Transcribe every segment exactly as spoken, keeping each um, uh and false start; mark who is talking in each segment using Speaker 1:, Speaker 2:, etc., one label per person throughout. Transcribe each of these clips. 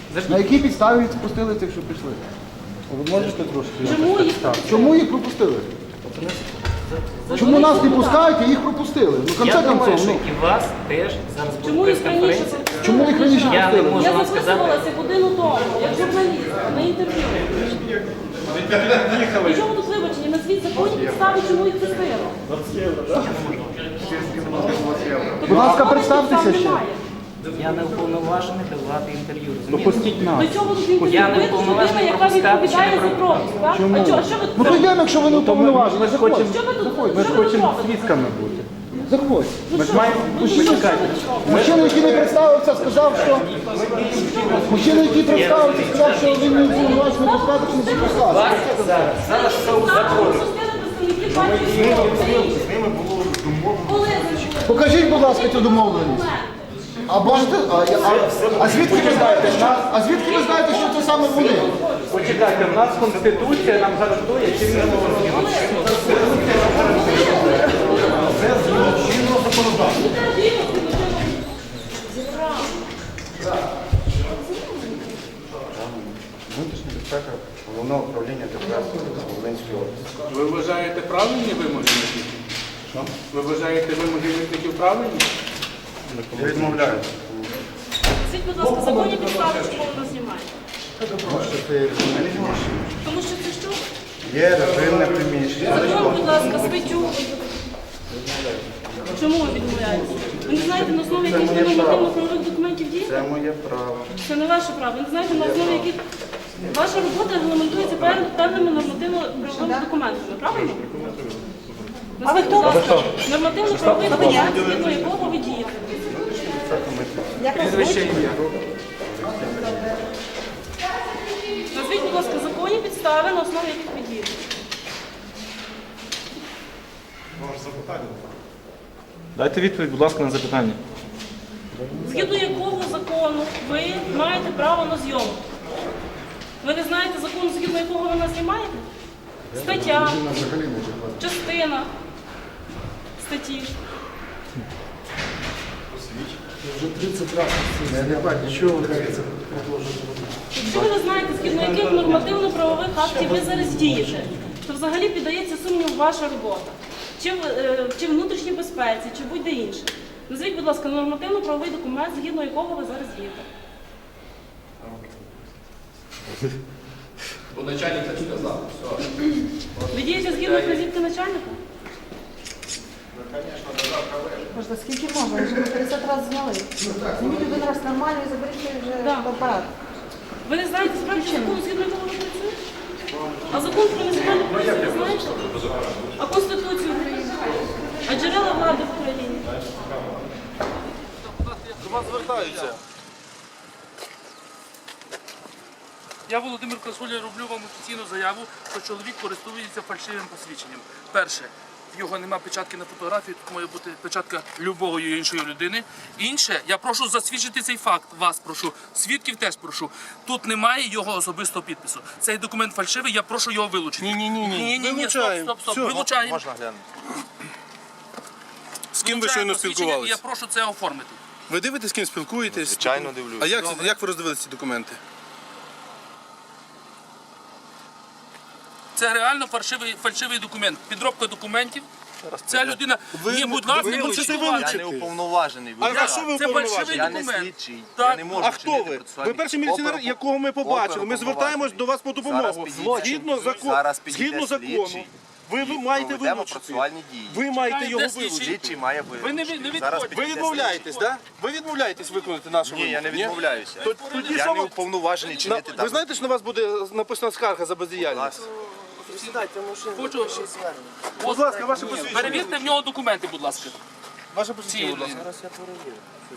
Speaker 1: На якій підставі їх пропустили цих, що пішли?
Speaker 2: Ви можете трошки?
Speaker 3: Чому їх
Speaker 1: Чому їх пропустили? Чому нас не пускають, а їх пропустили? Ну, в конце
Speaker 4: Я думаю,
Speaker 1: концов,
Speaker 4: що
Speaker 1: ну,
Speaker 4: і вас теж зараз буде
Speaker 3: Чому їх раніше
Speaker 4: прес-конференція.
Speaker 3: пропустили?
Speaker 1: чому їх раніше
Speaker 4: Я не
Speaker 1: пустили?
Speaker 4: можу
Speaker 3: Я
Speaker 4: вам сказати.
Speaker 3: записувалася годину тому, як журналіст, на інтерв'ю. При чому тут вибачення? Назвіть законні підстави, чому їх пустили.
Speaker 1: Будь ласка, представтеся ще.
Speaker 4: Я не уповноважений давати інтерв'ю.
Speaker 2: Ну
Speaker 4: розумієте?
Speaker 2: пустіть нас.
Speaker 3: До чого тут інтерв'ю?
Speaker 4: Я не
Speaker 3: Ви людина,
Speaker 4: уповноважений
Speaker 3: яка
Speaker 4: пропускати,
Speaker 3: відповідає
Speaker 4: чи не
Speaker 3: за пропуск, так?
Speaker 1: Чому?
Speaker 3: А чого? Що ви
Speaker 1: Ну то
Speaker 3: тут?
Speaker 1: йдемо, якщо ви не уповноважені.
Speaker 2: Ми ж
Speaker 1: Заходь.
Speaker 2: хочемо,
Speaker 3: Що ви тут?
Speaker 2: ми ж
Speaker 3: що ви тут
Speaker 2: хочемо
Speaker 3: робите?
Speaker 2: свідками бути.
Speaker 1: Заходь.
Speaker 2: Ми ж маємо...
Speaker 3: Ну, що, що ви тут робите?
Speaker 1: Мужчина, який не представився, сказав, що... Мужчина, який представився, сказав, що він не уповноважений пускати, чи не пускати.
Speaker 4: Зараз, зараз все у законі.
Speaker 1: Покажіть, будь ласка, цю домовленість. А бачите, а, а, а звідки ви знаєте, що, а звідки ви знаєте, що це саме вони?
Speaker 2: Почекайте, в нас Конституція нам гарантує чинне
Speaker 5: Внутрішня безпека головного управління ДПС Волинської області.
Speaker 6: Ви вважаєте правильні вимоги митників? Що? Ви вважаєте вимоги митників правильні?
Speaker 5: Я відмовляюся.
Speaker 3: Скажіть, будь ласка, законні підстави, чому ви нас знімаєте?
Speaker 5: Тому що це режимне приміщення.
Speaker 3: Тому що це що?
Speaker 5: Є режимне приміщення.
Speaker 3: Закон, будь ласка, статтю. Чому ви відмовляєтеся? Ви не знаєте, на основі яких ви нормативно-правових документів дієте?
Speaker 5: Це моє право.
Speaker 3: Це не ваше право. Ви не знаєте, на основі яких ваша робота регламентується пев- певними нормативно-правовими документами, правильно? А ви хто? Нормативно-правовий документ, згідно якого ви дієте.
Speaker 6: Прізвище ім'я.
Speaker 3: Назвіть, будь ласка, законні підстави, на основі яких ви дієте.
Speaker 2: Дайте відповідь, будь ласка, на запитання.
Speaker 3: Згідно якого закону ви маєте право на зйомку? Ви не знаєте закону, згідно якого ви нас знімаєте? Стаття, частина статті. Якщо ви не знаєте, згідно яких нормативно-правових актів ви зараз дієте, то взагалі піддається сумніву ваша робота. Чи в, е, чи в внутрішній безпеці, чи будь-де інше. Назвіть, будь ласка, нормативно-правовий документ, згідно якого ви зараз дієте.
Speaker 7: Бо начальник так сказав. Все.
Speaker 3: Ви дієте згідно вказівки начальника?
Speaker 8: Можна, скільки можна? Вже п'ятдесят разів зняли. Зніміть один раз нормально і заберіть вже
Speaker 3: Да.
Speaker 8: в апарат.
Speaker 3: Ви не знаєте справді закону, згідно якого ви працюєте? А закон про національну поліцію ви знаєте? А Конституцію України? А джерела влади в Україні?
Speaker 9: До вас звертаються. Я, Володимир Красуля, роблю вам офіційну заяву, що чоловік користується фальшивим посвідченням. Перше, в його нема печатки на фотографії, тут має бути печатка любої іншої людини. Інше, я прошу засвідчити цей факт, вас прошу, свідків теж прошу. Тут немає його особистого підпису. Цей документ фальшивий, я прошу його вилучити. Ні-ні-ні, ні, ні, вилучаємо. стоп, стоп, стоп, Все. вилучаємо.
Speaker 7: Можна глянути.
Speaker 9: З ким ви щойно спілкувалися? Я прошу це оформити.
Speaker 10: Ви дивитесь, з ким спілкуєтесь?
Speaker 7: Звичайно, дивлюсь.
Speaker 10: А як, це- як ви роздивилися ці документи?
Speaker 9: Це реально фальшивий, фальшивий документ. Підробка документів. Ця людина,
Speaker 10: Ви-
Speaker 9: ні, будь ласка,
Speaker 10: ви
Speaker 9: не
Speaker 10: хочете
Speaker 9: кричіть.
Speaker 10: вилучити?
Speaker 7: Я не уповноважений.
Speaker 10: А
Speaker 7: Ви-
Speaker 10: за що ви
Speaker 9: Це
Speaker 10: уповноважені?
Speaker 9: фальшивий
Speaker 7: Я не
Speaker 9: документ.
Speaker 7: слідчий.
Speaker 9: Так.
Speaker 7: Я не можу
Speaker 10: А хто
Speaker 7: вчинити
Speaker 10: ви?
Speaker 7: процесуальні-
Speaker 10: Ви перший міліціонер,
Speaker 7: Опер-
Speaker 10: якого ми побачили. Ми
Speaker 7: оперуповноважений.
Speaker 10: звертаємось до вас по
Speaker 7: Зараз
Speaker 10: допомогу.
Speaker 7: підійде-
Speaker 10: Згідно, закон...
Speaker 7: Зараз підійде
Speaker 10: Згідно закону.
Speaker 7: слідчий.
Speaker 10: Ви, ви маєте
Speaker 7: Проведемо
Speaker 10: вилучити.
Speaker 7: процесуальні дії.
Speaker 10: Ви маєте
Speaker 9: Чекай,
Speaker 10: його
Speaker 9: де слідчий?
Speaker 10: вилучити.
Speaker 7: Слідчий має
Speaker 9: Ви не,
Speaker 7: вилучити.
Speaker 9: ви не
Speaker 7: Зараз
Speaker 9: відходьте.
Speaker 10: Ви
Speaker 7: підійде
Speaker 10: відмовляєтесь, так? Ви відмовляєтесь виконати нашу
Speaker 7: Ні,
Speaker 10: вимогу?
Speaker 7: я не відмовляюся.
Speaker 10: То- Тоді
Speaker 7: Я
Speaker 10: що
Speaker 7: не
Speaker 10: ви...
Speaker 7: уповноважений
Speaker 10: На-
Speaker 7: чинити
Speaker 10: Ви
Speaker 7: так.
Speaker 10: знаєте, що на вас буде написана скарга за бездіяльність?
Speaker 9: Хочу.
Speaker 10: Будь ласка, ваше посвідчення.
Speaker 9: Перевірте в нього документи, будь ласка.
Speaker 10: Ваше посвідчення, будь ласка.
Speaker 7: Зараз я перевірю.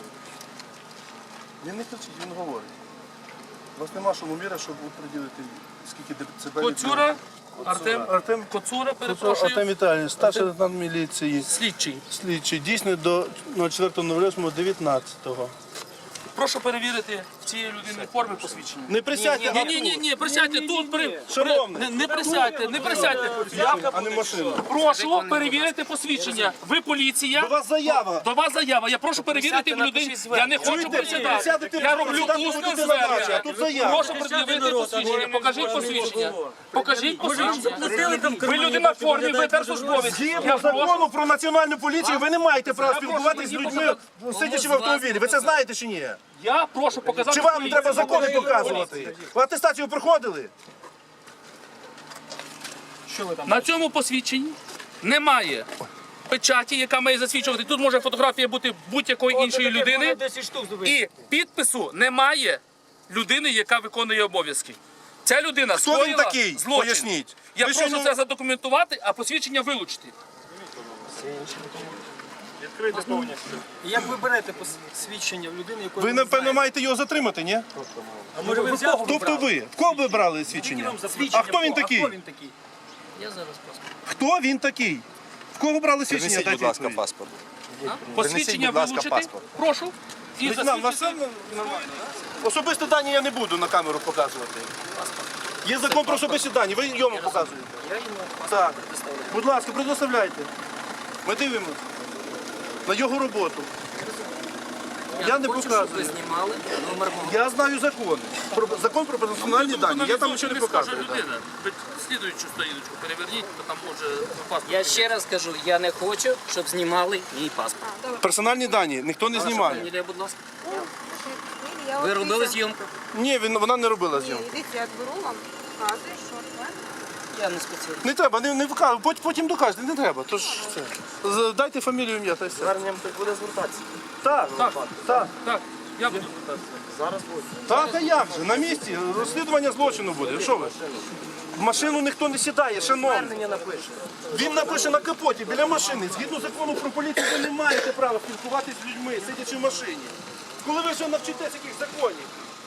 Speaker 10: Він не кричить, він говорить. У вас нема шумоміра, щоб приділити скільки децибелів.
Speaker 9: Коцюра, Артем,
Speaker 10: Артем
Speaker 9: Коцура,
Speaker 10: Артем
Speaker 9: перепрошую.
Speaker 10: Віталійович, старший лейтенант міліції,
Speaker 9: Слідчий.
Speaker 10: слідчий, дійсний до четвертого дев'ятнадцятого.
Speaker 9: Прошу перевірити в цієї людини форми посвідчення.
Speaker 10: Не присядьте на
Speaker 9: Ні, ні, ні, ні, присядьте тут, при,
Speaker 10: Шановний.
Speaker 9: при- не, не присядьте, не присядьте. Я
Speaker 10: а не машину.
Speaker 9: прошу перевірити посвідчення. Ви поліція.
Speaker 10: До вас заява.
Speaker 9: До вас заява. Я прошу перевірити в людині. Я не хочу
Speaker 10: Чуєте?
Speaker 9: присідати.
Speaker 10: Присядете,
Speaker 9: Я роблю
Speaker 10: присядете,
Speaker 9: усне
Speaker 10: будете задача, а
Speaker 9: звернення.
Speaker 10: тут заява.
Speaker 9: Прошу пред'явити посвідчення. Покажіть посвідчення. Покажіть посвідчення. Ви людина в формі, ви держслужбовець. Я
Speaker 10: Згідно
Speaker 9: прошу.
Speaker 10: закону про національну поліцію, ви не маєте права спілкуватися з людьми, сидячи в автомобілі. Ви це знаєте чи ні?
Speaker 9: Я прошу показати.
Speaker 10: Чи вам
Speaker 9: поліцію.
Speaker 10: треба закони показувати? Ви атестацію проходили?
Speaker 9: На цьому посвідченні немає печаті, яка має засвідчувати. Тут може фотографія бути будь-якої іншої людини. І підпису немає людини, яка виконує обов'язки. Ця людина
Speaker 10: Хто він
Speaker 9: скоїла
Speaker 10: такий?
Speaker 9: злочин.
Speaker 10: Поясніть.
Speaker 9: Я
Speaker 10: Ви
Speaker 9: прошу
Speaker 10: що, ну-
Speaker 9: це задокументувати, а посвідчення вилучити.
Speaker 2: Як ви берете посвідчення в людини, яку
Speaker 10: Ви, напевно, маєте його затримати, ні?
Speaker 2: А може ви взяли?
Speaker 10: Тобто ви? В кого ви брали свідчення? А хто він такий?
Speaker 2: А хто він такий?
Speaker 10: Хто він такий? В кого брали свідчення?
Speaker 7: Принесіть,
Speaker 10: Дайте
Speaker 7: будь ласка,
Speaker 10: відповідь.
Speaker 7: паспорт.
Speaker 9: Посвідчення
Speaker 7: будь ласка,
Speaker 9: вилучити.
Speaker 7: паспорт.
Speaker 9: Прошу. І
Speaker 10: Лейтенант, у вас все
Speaker 9: засвідчити.
Speaker 10: нормально? Особисті дані я не буду на камеру показувати. Є закон про особисті дані, ви йому показуєте. Так. Будь ласка, предоставляйте. Ми дивимося на його роботу. Я не показую.
Speaker 4: знімали номер мого.
Speaker 10: Я знаю закон. Про закон про персональні дані. Я там нічого не показую. так.
Speaker 9: людина. Ви слідуючу сторіночку переверніть, то там може паспорт.
Speaker 4: Я ще раз кажу, я не хочу, щоб знімали мій паспорт.
Speaker 10: Персональні дані ніхто не знімає.
Speaker 4: Фамілія, будь ласка.
Speaker 8: Я
Speaker 4: Ви
Speaker 8: от
Speaker 4: робили
Speaker 8: дивіться,
Speaker 4: зйомку?
Speaker 10: Ні, він, вона не робила
Speaker 8: ні,
Speaker 10: зйомку.
Speaker 8: дивіться, я беру вам, показую, що це.
Speaker 4: Я не спеціаліст.
Speaker 10: Не треба, не, не вказуй, потім, потім докажете, не треба. Тож це. З- Дайте фамілію, ім'я та й все.
Speaker 4: Зверненням так буде звертатися.
Speaker 10: Так, так, так.
Speaker 9: Так, я буду.
Speaker 10: Так, а як же? На місці розслідування злочину буде. Що ви? В машину ніхто не сідає, шановний.
Speaker 4: Звернення напише.
Speaker 10: Він напише на капоті біля машини. Згідно закону про поліцію, ви не маєте права спілкуватися з людьми, сидячи в машині. Коли ви вже навчитесь яких законів?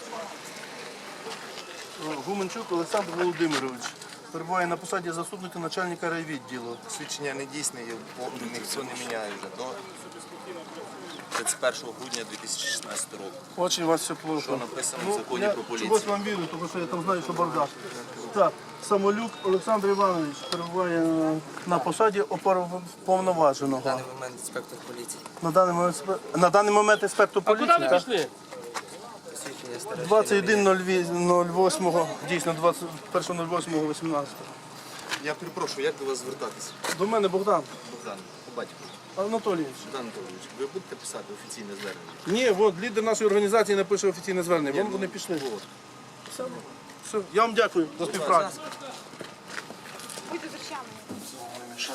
Speaker 10: Гуменчук Олександр Володимирович. Перебуває на посаді заступника начальника райвідділу.
Speaker 7: Свідчення не дійсне, ніхто не міняє вже до тридцять першого грудня дві тисячі шістнадцятого року.
Speaker 10: Очень у вас все плохо.
Speaker 7: Що написано в
Speaker 10: Ну,
Speaker 7: законі
Speaker 10: я
Speaker 7: про поліцію.
Speaker 10: чогось вам вірю, тому що я там знаю, що бардак. Так, Самолюк Олександр Іванович перебуває е, на посаді оперуповноваженого.
Speaker 4: На даний момент інспектор поліції.
Speaker 10: На даний момент, спе- на даний момент інспектор
Speaker 9: А куди
Speaker 10: поліції,
Speaker 9: ви
Speaker 10: так?
Speaker 9: пішли?
Speaker 4: Свідчення старе.
Speaker 10: двадцять один нуль восьмого, дійсно, двадцять першого вісімнадцятого вісімнадцятого.
Speaker 7: Я перепрошую, як до вас звертатися?
Speaker 10: До мене Богдан
Speaker 7: Богдан, по батьку.
Speaker 10: Анатолійович.
Speaker 7: Богдан Анатолійович, ви будете писати офіційне звернення?
Speaker 10: Ні, от лідер нашої організації напише офіційне звернення. Вон вони пішли. Все. Все. Я вам дякую за співпрацю.
Speaker 8: Будьте з речами.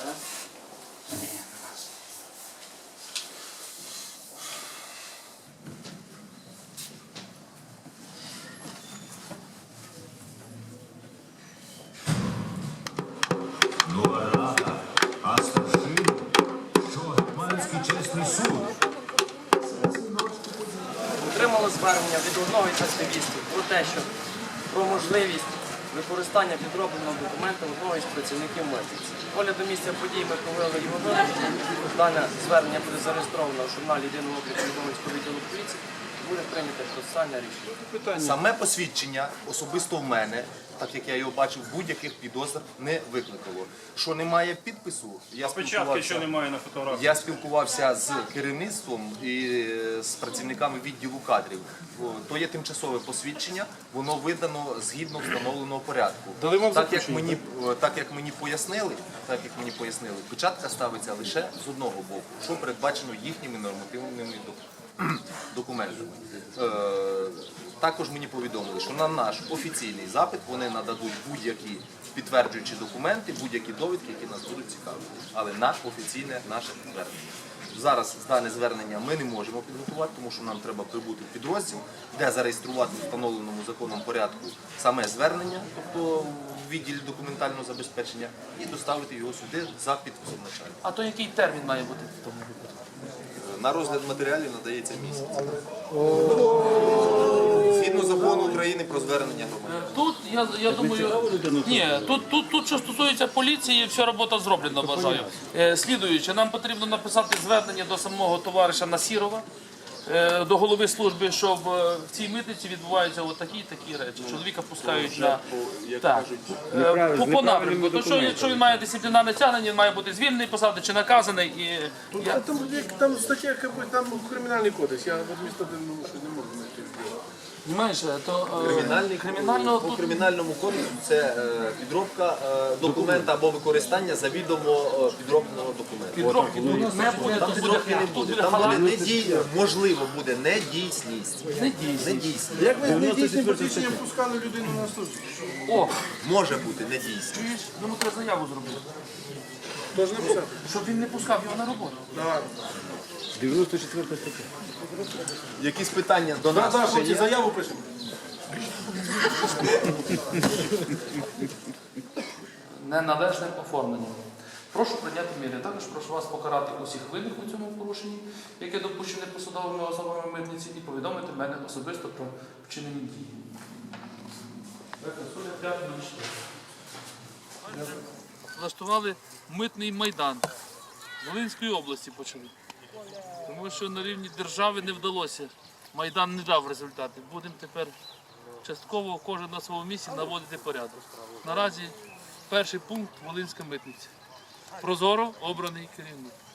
Speaker 11: Нова рада, а старшин, що Гетьманський чесний суд.
Speaker 2: Отримали звернення від одного із активістів про те, що про можливість використання підробленого документа одного із працівників митниці. Огляд до місця подій ми провели його вилучення. Дане звернення буде зареєстровано в журналі єдиного обліку Житомирського відділу поліції. Буде прийнято процесуальне рішення.
Speaker 7: Саме посвідчення особисто в мене, так як я його бачив, будь-яких підозр не викликало. Що немає підпису, я спілкувався,
Speaker 10: немає на фотографії.
Speaker 7: я спілкувався з керівництвом і з працівниками відділу кадрів. О, то є тимчасове посвідчення, воно видано згідно встановленого порядку.
Speaker 10: Дали вам
Speaker 7: Так як
Speaker 10: заключення,
Speaker 7: мені, так як мені пояснили, так як мені пояснили, печатка ставиться лише з одного боку, що передбачено їхніми нормативними документами. документами. Е, також мені повідомили, що на наш офіційний запит вони нададуть будь-які підтверджуючі документи, будь-які довідки, які нас будуть цікаві. Але на офіційне наше звернення. Зараз дане звернення ми не можемо підготувати, тому що нам треба прибути в підрозділ, де зареєструвати в встановленому законом порядку саме звернення, тобто в відділі документального забезпечення, і доставити його сюди за підписом начальника.
Speaker 9: А то який термін має бути в тому?
Speaker 7: На розгляд матеріалів надається місяць. Згідно закону України про звернення громадян.
Speaker 9: Тут я, я думаю, ні, тут, тут, тут, що стосується поліції, вся робота зроблена, вважаю. Е, слідуючи, нам потрібно написати звернення до самого товариша Насірова, е, до голови служби, що в е, в цій митниці відбуваються от такі і такі речі. Чоловіка пускають на так, е, по, по напрямку. То, що, якщо він має дисциплінарне тягнення, він має бути звільнений, посади чи наказаний. І я...
Speaker 10: Там, як- там стаття, якби, там кримінальний кодекс, я в адміністративному що не можу знайти.
Speaker 9: Знаєш, то е,
Speaker 7: Кримінальний
Speaker 9: кримінального
Speaker 7: по
Speaker 9: тут
Speaker 7: кримінальному кодексу це е, підробка е, документа або використання завідомо е, підробленого документа.
Speaker 9: підробки тут не буде,
Speaker 7: Там
Speaker 9: тут буде,
Speaker 7: підробки не
Speaker 9: тут
Speaker 7: буде.
Speaker 9: буде
Speaker 7: Там буде
Speaker 9: халат.
Speaker 7: недій... можливо буде недійсність.
Speaker 9: Недійсність.
Speaker 7: Недійсність.
Speaker 10: Як ви з недійсним посвідченням пускали людину на службу?
Speaker 9: О,
Speaker 7: Може бути недійсність.
Speaker 9: чуєш, йому треба заяву зробити,
Speaker 10: Тож не писати.
Speaker 9: щоб він не пускав його на роботу.
Speaker 10: Давай.
Speaker 7: Якісь питання до
Speaker 10: Да,
Speaker 7: нас?
Speaker 10: да,
Speaker 7: ще
Speaker 10: хлопці,
Speaker 7: є?
Speaker 10: заяву пишемо.
Speaker 9: Неналежним оформленням. Прошу прийняти міри. Також прошу вас покарати усіх винних у цьому порушенні, яке допущене посадовими особами митниці, і повідомити мене особисто про вчинені дії. Влаштували митний майдан. Волинської області почали. Тому що на рівні держави не вдалося. Майдан не дав результати. Будемо тепер частково кожен на своєму місці наводити порядок. Наразі перший пункт Волинська митниця. Прозоро обраний керівник.